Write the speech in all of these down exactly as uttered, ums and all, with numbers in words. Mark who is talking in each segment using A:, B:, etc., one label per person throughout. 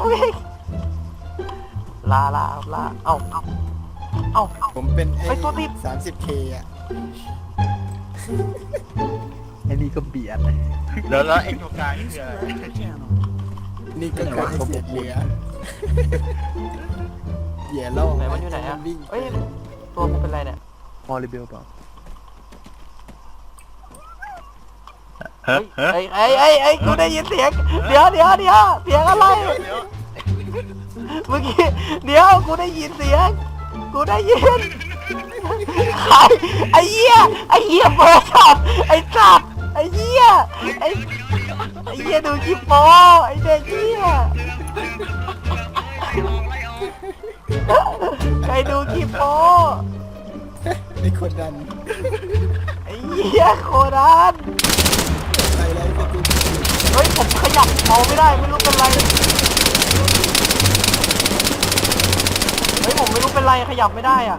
A: วิ่งลาลาลาเอ้าเอ้าเอ้า
B: ผมเป็นไอ้
A: ไอ้ตัวติด
B: สามสิบเคอ่ะ
C: ไอ้นี่ก็เบียด
D: แล้วแล้วไอ้ตัวกลางนี่คืออะไร
B: นี่ก็คือเสียเหลือเหยื่อล่อ
A: ไหนมันอยู่ไหนอะ
B: วิ่ง
A: เอ้ยตัวกูเป็นไรเนี่ย
C: มอริเบลเปล่า
D: เฮ้ยเฮ้ย
A: ไอ้ไอ้ไอ้ไอ้กูได้ยินเสียงเดี๋ยวเดี๋ยวเดี๋ยวเสียงอะไร
D: เดี๋ยว
A: เมื่อกี้เดี๋ยวกูได้ยินเสียงกูได้ยินใครไอ้เหี้ยไอ้เหี้ยเบอร์ช็อตไอ้สัตว์ไอ้เหี้ยไอ้ไอ้เหี้ยดูคลิปโป้ไอ้เด็กเหี้ยใครดูคลิปโป้
B: ไอ้คนดัน
A: ไอ้เหี้ยโคดัน
B: ไปไล่สติ
A: เฮ้ยผมขยับเมาไม่ได้ไม่รู้เป็นไรเฮ้ยผมไม่รู้เป็นไรขยับไม่ได้อ่ะ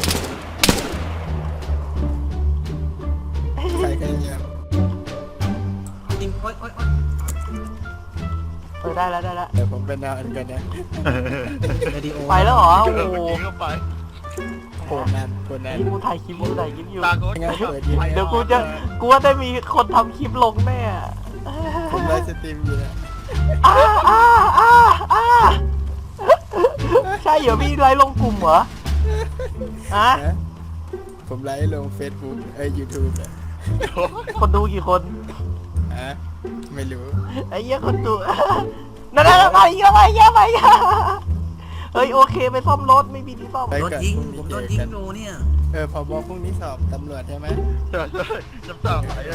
B: ใครใครเนี่ย
E: จริงโอ๊ยโอ๊ยโอ๊ย
A: เออได้แล้วได้แล้ว
B: เดี๋ยวผมเป็นนอนกันนะ
E: เรดิโอ
A: ไปแล้วเหรอโอ้
D: เออ
A: โห
D: เมื่อกี้ก็ไป
B: โคนนั้นโคนนั้น
A: นี่กูถ่ายคลิปกูถ่ายคลิปอยู่
D: ตาโกน
B: งั้นเปิดยิง
A: เดี๋ยวกูจะกูว่าได้มีคนทำคลิปลงแน่
B: ผมไล่สตรีมอยู่นะ
A: อ้าอ้าอ้าอ้าใช่เหรอพี่ไลฟ์ลงกลุ่มเหรออะ
B: นะผมไลฟ์ลงเฟซบุ๊กเอ้ยยูทูบอ่ะ
A: คนดูกี่คน
B: ฮะไม่รู้
A: ไอ้เหี้ยคนดูนั่นนั่นไปเยอะไปเยอะไปเยอะเฮ้ยโอเคไปซ่อมรถไม่มีที่ซ่อม
B: ไป
E: โดน
B: ก่อน
E: ยิง
B: พรุ่ง
E: ผม
B: นี้
E: โด
B: เจ
E: น
B: อ
E: ยิง
B: กัน
E: อยู่เนี่ย
B: เออพอบอกพรุ่งนี้สอบตำรวจใช่ไหม
D: ใช่ใช่จำตาหายเลย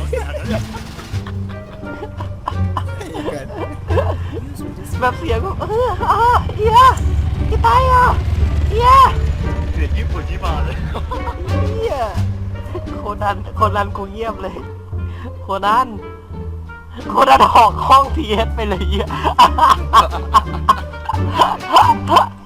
B: เกิด
A: แบบเสียงแบบเอออ่ะเฮียพี่ตายอ่ะเฮีย
D: เสียงญี่ปุ่นที่มาเลย
A: เฮียโคนันโคนันกูเงียบเลยโคนันโคนันออกห้องทีเอสไปเลยเฮีย